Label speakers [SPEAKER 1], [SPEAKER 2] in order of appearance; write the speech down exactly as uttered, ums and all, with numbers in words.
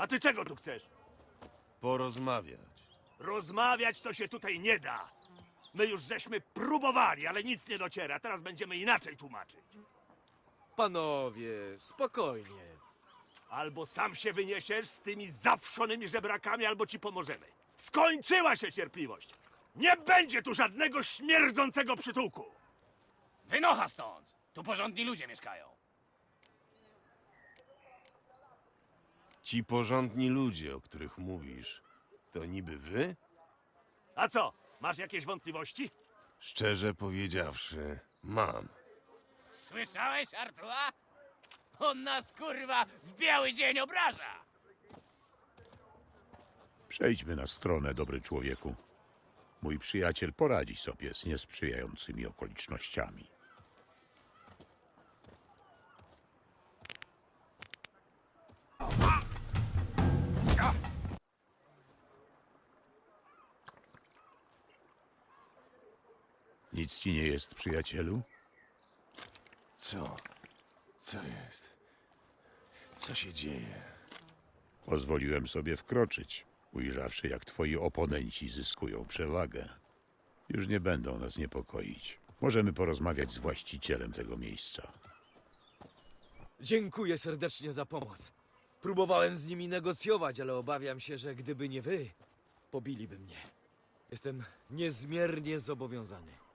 [SPEAKER 1] A ty czego tu chcesz?
[SPEAKER 2] Porozmawiać.
[SPEAKER 1] Rozmawiać to się tutaj nie da. My już żeśmy próbowali, ale nic nie dociera. Teraz będziemy inaczej tłumaczyć.
[SPEAKER 3] Panowie, spokojnie.
[SPEAKER 1] Albo sam się wyniesiesz z tymi zawszonymi żebrakami, albo ci pomożemy. Skończyła się cierpliwość. Nie będzie tu żadnego śmierdzącego przytułku.
[SPEAKER 4] Wynocha stąd! Tu porządni ludzie mieszkają.
[SPEAKER 2] Ci porządni ludzie, o których mówisz, to niby wy?
[SPEAKER 1] A co, masz jakieś wątpliwości?
[SPEAKER 2] Szczerze powiedziawszy, mam.
[SPEAKER 4] Słyszałeś, Artua? On nas, kurwa, w biały dzień obraża!
[SPEAKER 5] Przejdźmy na stronę, dobry człowieku. Mój przyjaciel poradzi sobie z niesprzyjającymi okolicznościami. Nic ci nie jest, przyjacielu?
[SPEAKER 2] Co? Co jest? Co się dzieje?
[SPEAKER 5] Pozwoliłem sobie wkroczyć, ujrzawszy, jak twoi oponenci zyskują przewagę. Już nie będą nas niepokoić. Możemy porozmawiać z właścicielem tego miejsca.
[SPEAKER 3] Dziękuję serdecznie za pomoc. Próbowałem z nimi negocjować, ale obawiam się, że gdyby nie wy, pobiliby mnie. Jestem niezmiernie zobowiązany.